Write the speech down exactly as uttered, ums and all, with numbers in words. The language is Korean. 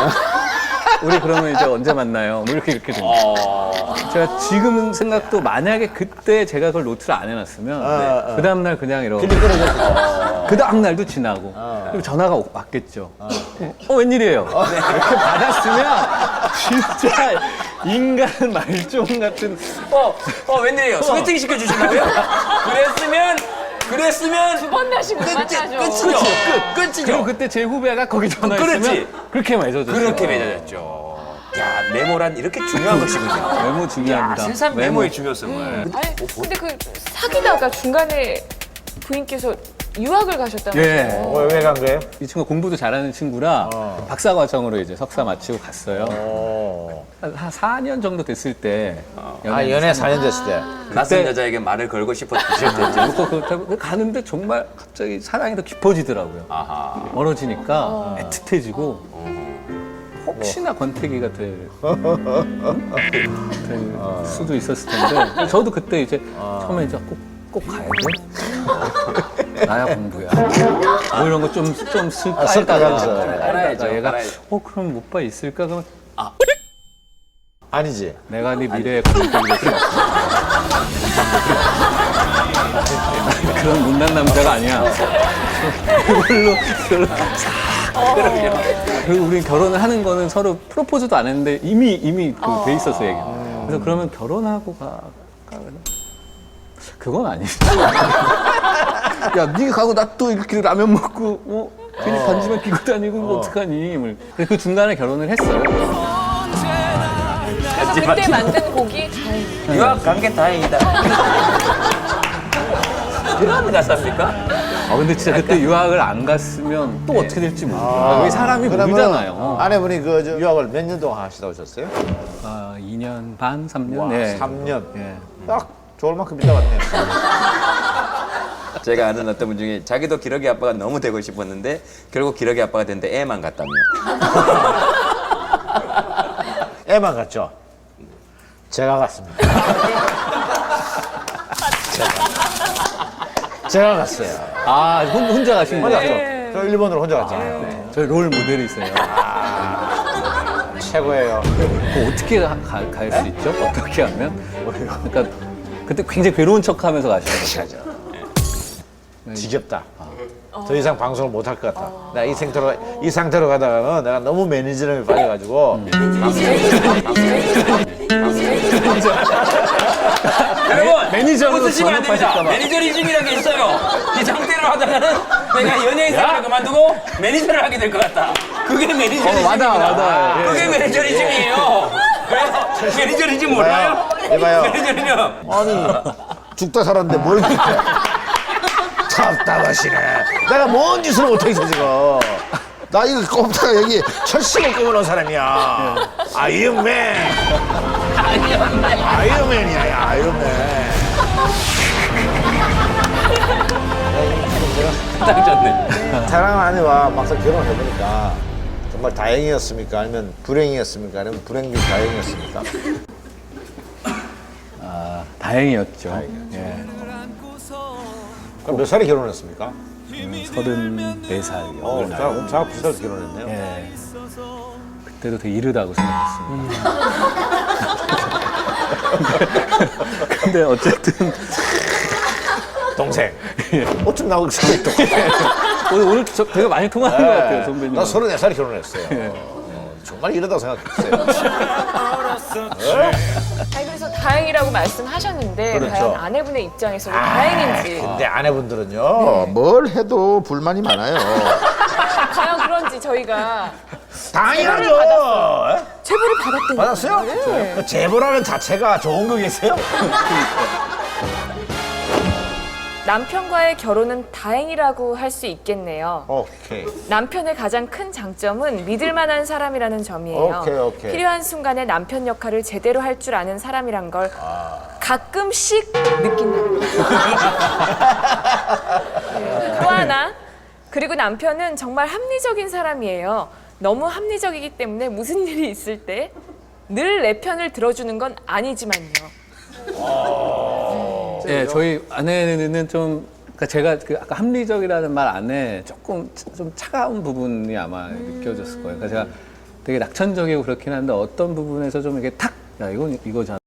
우리 그러면 이제 언제 만나요? 뭐 이렇게 이렇게 됩니다. 어... 제가 지금 생각도 만약에 그때 제가 그걸 노트를 안 해놨으면 어, 어. 그 다음날 그냥 이러고 길이 끊어졌어. 그 다음날도 지나고 어. 그리고 전화가 왔겠죠. 어, 어 웬일이에요? 이렇게 받았으면 진짜 인간 말종 같은 어, 어, 웬일이에요? 소개팅 시켜주신다고요? 그랬으면, 그랬으면. 두 번 다시 못 끝이, 만나죠. 끝이죠. 끝, 끝이죠. 그리고 그때 제 후배가 거기 전화했으면 그렇지. 그렇게 맺어졌어요. 그렇게 맺어졌죠. 야, 메모란 이렇게 중요한 것이군요. 메모 야, 중요합니다. 세상 메모의 중요성을. 아니, 근데 그 사귀다가 중간에 부인께서 유학을 가셨다면서요? 예. 왜 간 거예요? 이 친구가 공부도 잘하는 친구라 어. 박사 과정으로 이제 석사 마치고 갔어요. 어. 한 사 년 정도 됐을 때. 아, 연애 사 년 됐을 때. 낯선 그때- 여자에게 말을 걸고 싶었죠. 그렇고 그렇다고 가는데 정말 갑자기 사랑이 더 깊어지더라고요. 아하. 멀어지니까 애틋해지고 혹시나 권태기가 될, 될 수도 있었을 텐데 저도 그때 이제 처음에 이제 꼭, 꼭 가야 돼? 나야 공부야. 뭐 이런 거 좀 좀 쓸까 아, 쓸까 하다가 하면서. 알아야죠, 얘가 알아야죠. 어 그럼 오빠 있을까? 그러면 아니지. 내가 네 미래의 권태기 될 수 없어. 그런 못난 남자가 아니야. 그걸로 그걸로 그리고 우리 결혼을 하는 거는 서로 프로포즈도 안 했는데 이미 이미 그 돼 있어서 얘기. 그래서 그러면 결혼하고 가. 가 그건 아니지. 야, 네가 가고 나 또 이렇게 라면 먹고 뭐 괜히 반지만 끼고 다니고 뭐 어떡하니? 뭐. 그래서 그 중간에 결혼을 했어요. 그래서 그때 만든 곡이 유학 간 게 다행이다. 유학 갔습니까? 아 근데 진짜 그때 유학을 안 갔으면 또 어떻게 될지 모르겠어요. 여기 사람이 그러면 모르잖아요. 아내분이 그 저 유학을 몇 년 동안 하시다 오셨어요? 아, 이 년 반, 삼 년? 와, 네. 삼 년. 예. 딱 좋을 만큼 있다 왔네요. 제가 아는 어떤 분 중에 자기도 기러기 아빠가 너무 되고 싶었는데 결국 기러기 아빠가 됐는데 애만 갔다며. 애만 갔죠? 제가 갔습니다. 제가, 제가 갔어요. 아, 혼, 혼자 가신 혼자 거예요? 갔죠? 저 일본으로 혼자 갔잖아요. 저희 롤 모델이 있어요. 최고예요. 그거 어떻게 갈 수 있죠? 어떻게 하면? 그러니까 그때 굉장히 괴로운 척 하면서 가시는 거죠. 지겹다. 더 이상 방송을 못 할 것 같다. 내가 이 상태로, 이 상태로 가다가는 내가 너무 매니저름에 빠져가지고. 여러분, 매니저로 웃으시면 안 됩니다. 전업하실까 봐. 매니저리즘이라는 게 있어요. 이 상태로 하다가는 내가 연예인 생활을 그만두고 매니저를 하게 될 것 같다. 그게 매니저리즘입니다. 어, 와닿아, 와닿아요. 예. 그게 매니저리즘이에요. 왜요? 매니저리즘 몰라요? 이봐요. 매니저리즘. 아니, 죽다 살았는데 뭘 그렇게. 답답하시네. 내가 뭔 짓을 못하겠어, 지금. 나 이거 꼽다가 여기 철심을 꼽아놓은 사람이야. 아이언맨. 아이언맨이야, 야, 아이언맨. 딱 좋네. 사랑하는 아내와 막상 결혼을 해보니까 정말 다행이었습니까? 아니면 불행이었습니까? 아니면 불행 중 다행이었습니까? 아, 다행이었죠. 예. 그럼 몇 살에 결혼했습니까? 서른네 살이요. 어, 저하고, 저하고 비슷해서 결혼했네요. 예. 그때도 되게 이르다고 생각했습니다. 근데 어쨌든 동생. 어쩜 나하고 생각이 똑같아. 오늘, 오늘 저 되게 많이 통하는 것 같아요, 선배님. 나 서른네 살에 결혼했어요. 어, 정말 이러다고 생각했어요. 아니 그래서 다행이라고 말씀하셨는데 그렇죠. 과연 아내분의 입장에서는 다행인지 근데 아내분들은요, 뭘 해도 불만이 많아요. 과연 그런지 저희가 당연하죠. 제보를 받았대요. 받았어요? 네. 제보라는 자체가 좋은 거겠어요? 남편과의 결혼은 다행이라고 할 수 있겠네요. 오케이. 남편의 가장 큰 장점은 믿을 만한 사람이라는 점이에요. 오케이, 오케이. 필요한 순간에 남편 역할을 제대로 할 줄 아는 사람이란 걸 가끔씩 느낀다는 거예요. 네. 또 하나, 그리고 남편은 정말 합리적인 사람이에요. 너무 합리적이기 때문에 무슨 일이 있을 때 늘 내 편을 들어주는 건 아니지만요. 예, 저희 아내는 좀, 그러니까 제가 그 아까 합리적이라는 말 안에 조금 좀 차가운 부분이 아마 느껴졌을 거예요. 그러니까 제가 되게 낙천적이고 그렇긴 한데 어떤 부분에서 좀 이게 탁, 야 이건 이거잖아.